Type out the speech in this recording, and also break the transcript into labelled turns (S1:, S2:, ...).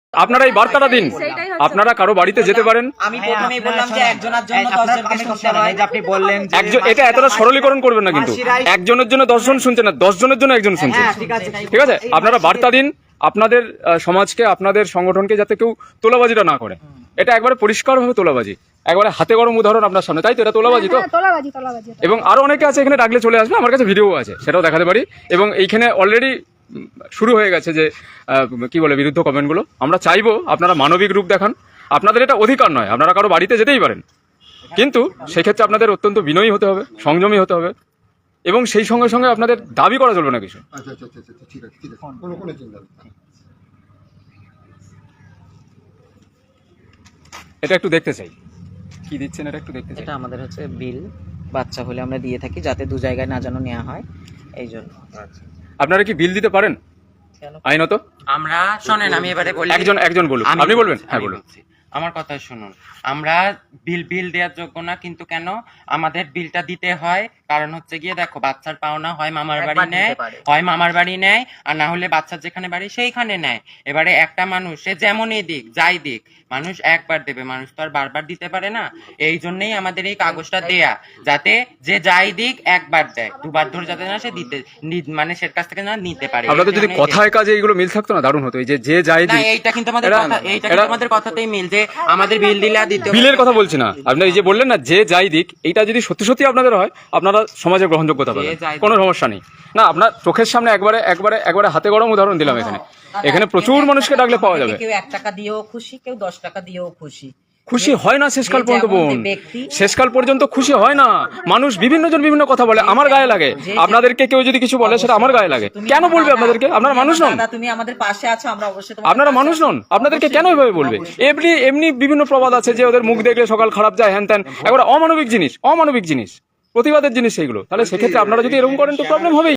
S1: আপনারা এই বার্তাটা দিন, আপনারা কারো বাড়িতে যেতে পারেন।
S2: আমি প্রথমেই বললাম যে একজনের জন্য 10 জনকে শুনতে হয়।
S3: যে আপনি বললেন যে
S1: একজন, এটা এতটা সরলীকরণ করবেন না, কিন্তু একজনের জন্য 10 জন শুনছে না, 10 জনের জন্য একজন শুনছে। ঠিক আছে, আপনারা বার্তা দিন আপনাদের সমাজকে, আপনাদের সংগঠনকে, যাতে কেউ তোলাবাজিটা না করে। এটা একবারে পরিষ্কারভাবে তোলাবাজি, একবারে হাতে গরম উদাহরণ আপনার সামনে, তাই তো? এটা তোলাবাজি তো।
S4: তোলাবাজি।
S1: এবং আরো অনেকে আছে এখানে, ডাকলে চলে আসবে, আমার কাছে ভিডিও আছে, সেটাও দেখাতে পারি। এবং এইখানে অলরেডি শুরু হয়ে গেছে যে কি বলে বিরুদ্ধ কমেন্টগুলো। আমরা চাইবো আপনারা মানবিক রূপ দেখান। আপনাদের এটা অধিকার নয়, আপনারা কারো বাড়িতে যেতেই পারেন, কিন্তু সেক্ষেত্রে আপনাদের অত্যন্ত বিনয়ী হতে হবে, সংযমী হতে হবে, এবং সেই সঙ্গে সঙ্গে আপনাদের দাবি করা চলবে না কিছু।
S5: আচ্ছা, ঠিক আছে, কোনো চিন্তা নেই।
S1: এটা একটু দেখতে চাই, কি দিচ্ছেন এটা একটু দেখতে চাই।
S2: এটা আমাদের হচ্ছে বিল, বাচ্চা হলে আমরা দিয়ে থাকি যাতে দু জায়গায় না যেন নেওয়া হয়, এই জন্য।
S1: আপনারা কি বিল দিতে পারেন আইনত?
S3: আমরা শোনেন, আমি এবারে বলি,
S1: একজন বলুন। আপনি বলবেন? হ্যাঁ বলুন।
S3: আমার কথা শুনুন। আমরা বিল দেওয়ার যোগ্য না, কিন্তু কেন আমাদের বিলটা দিতে হয়? কারণ হচ্ছে গিয়ে দেখো, বাচ্চার পাওনা হয় মামার বাড়ি নেয়, হয় মামার বাড়ি নেয়, আর না হলে বাচ্চার যেখানে বাড়ি সেইখানে নেয়। এবারে একটা মানুষ সে যেমনই দিক, যাই দিক, মানুষ একবার দেবে, মানুষ তো আর বারবার দিতে পারে না। এই জন্যই আমাদের এই কাগজটা দেয়া, যাতে যে যাই দিক একবার দেয়, দুবার ধরে যাতে না সে দিতে, মানে সে কাছ থেকে না নিতে পারে।
S1: আপনাদের যদি কথায় কাজে এইগুলো মিল থাকতো না, দারুণ হতো। এই যে যাই দিক,
S3: এইটা কিন্তু আমাদের কথা, এইটা কিন্তু আমাদের কথাতেই মিল, যে আমাদের বিল দিলে আর দিতে হবে।
S1: বিলের কথা বলছি না, আপনি এই যে বললেন না যে যাই দিক, এইটা যদি সত্যি সত্যি আপনাদের হয়, আপনারা সমাজের গ্রহণযোগ্যতা পাবেন, কোনো সমস্যা নেই। না, আপনার চোখের সামনে একবারে হাতে গরম উদাহরণ দিলাম। এখানে প্রচুর মানুষকে ডাকলে পাওয়া যাবে।
S2: কেউ 1 টাকা দিয়েও খুশি, কেউ 10 টাকা দিয়েও খুশি।
S1: খুশি হয় না শেষকাল পর্যন্ত বোন, শেষকাল পর্যন্ত খুশি হয় না। মানুষ বিভিন্ন জন বিভিন্ন কথা বলে, আমার গায়ে লাগে। আপনাদেরকে কেউ যদি কিছু বলে, সেটা আমার গায়ে লাগে। কেন বলবে আপনাদেরকে? আপনারা মানুষ নন?
S2: তুমি আমাদের পাশে আছো, আমরা অবশ্যই।
S1: আপনারা মানুষ নন? আপনাদেরকে কেন এভাবে বলবে? এমনি বিভিন্ন প্রবাদ আছে যে ওদের মুখ দেখলে সকাল খারাপ যায়, হ্যান ত্যান, একবার অমানবিক জিনিস, প্রতিবাদের জিনিস সেইগুলো। তাহলে সেক্ষেত্রে আপনারা যদি এরকম করেন তো প্রবলেম হবেই।